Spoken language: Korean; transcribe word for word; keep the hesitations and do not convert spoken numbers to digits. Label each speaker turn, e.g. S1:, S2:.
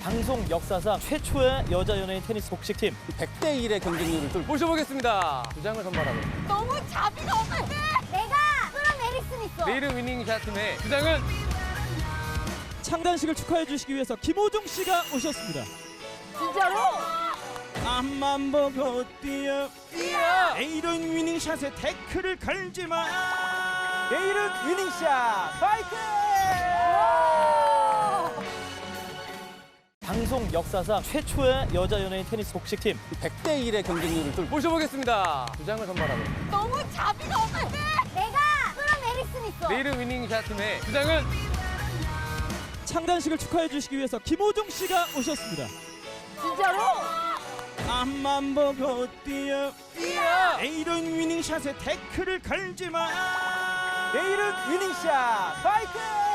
S1: 방송 역사상 최초의 여자 연예인 테니스 복식팀
S2: 백 대 일의 경쟁률을 뚫 모셔보겠습니다. 두 장을 선발하고
S3: 너무 자비가 없는데? 내가 그런 에릭슨 있어.
S2: 내일은 위닝샷 팀의 두 장은
S4: 창단식을 축하해 주시기 위해서 김호중 씨가 오셨습니다.
S3: 진짜로?
S4: 앞만 보고 뛰어
S2: 뛰어!
S4: 내일은 위닝샷에 태클을 걸지 마.
S1: 내일은 위닝샷 파이팅! 방송 역사상 최초의 여자 연예인 테니스 복식팀
S2: 백 대 일의 경쟁률을 뚫 모셔보겠습니다. 두 장을 선발하고
S3: 너무 자비가 없는데? 내가 그런 에릭슨 있어.
S2: 내일은 위닝샷 팀의 두 장은
S4: 창단식을 축하해 주시기 위해서 김호중 씨가 오셨습니다.
S3: 진짜로?
S4: 앞만 보고 뛰어
S2: 뛰어!
S4: 내일은 위닝샷에 태클을 걸지 마.
S1: 내일은 위닝샷 파이팅!